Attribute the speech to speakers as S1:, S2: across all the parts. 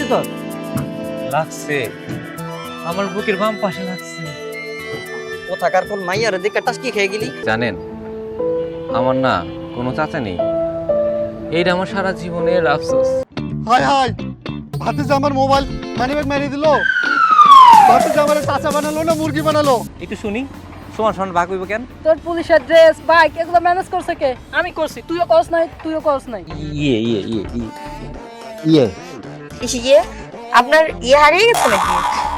S1: তোর?
S2: লাগছে, আমার বুকের বাম পাশে লাগছে।
S1: কোথাকার কোন মাইয়ার দিকে টাসকি খেয়ে গেলি?
S2: জানেন, আমার না কোনো চাচা নেই। এইটা আমার সারা জীবনের আফসোস।
S3: হাই হাই, ভাতিজা আমার মোবাইল মানিব্যাগ মেরে দিল। ভাতিজা আমার চাচা বানালো না মুরগি বানালো?
S2: একটু শুনি, সমান সমান ভাগ হইব কেন?
S4: তোর পুলিশের ড্রেস বাইক এগুলো ম্যানেজ করছে কে? আমি করছি, তুইও করস নাই, তুইও করস নাই।
S2: ইয়ে ইয়ে ইয়ে ইয়ে
S5: ইয়ে আপনার ইয়ে হারিয়ে গেছে নাকি?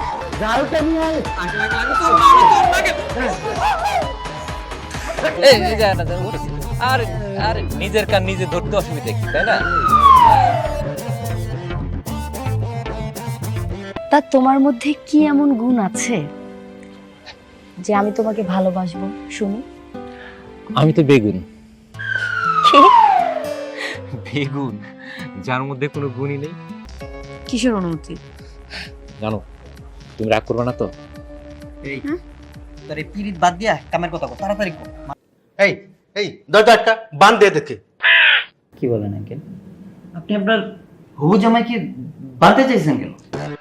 S2: এই যে না উঠেছি। আরে আরে নিজের কান নিজে ধরতে অসুবিধা কি, তাই না?
S6: তা তোমার মধ্যে কি এমন গুণ আছে যে আমি তোমাকে ভালোবাসবো শুনি?
S2: আমি তো বেগুন।
S5: কি?
S2: বেগুন যার মধ্যে কোনো গুণই নেই।
S6: কিসের অনুমতি?
S2: জানো, তুমি রাগ করবে না তো?
S1: এই তোর এই পিরিত বাদ দিয়া কামের কথা কর, তাড়াতাড়ি কর।
S3: এই এই দরজা একটা বান দিয়ে দেখে।
S1: কি বলেন আঙ্কেল? আপনি আপনার হবু জামাইকে বাঁধতে চাইছেন কেন?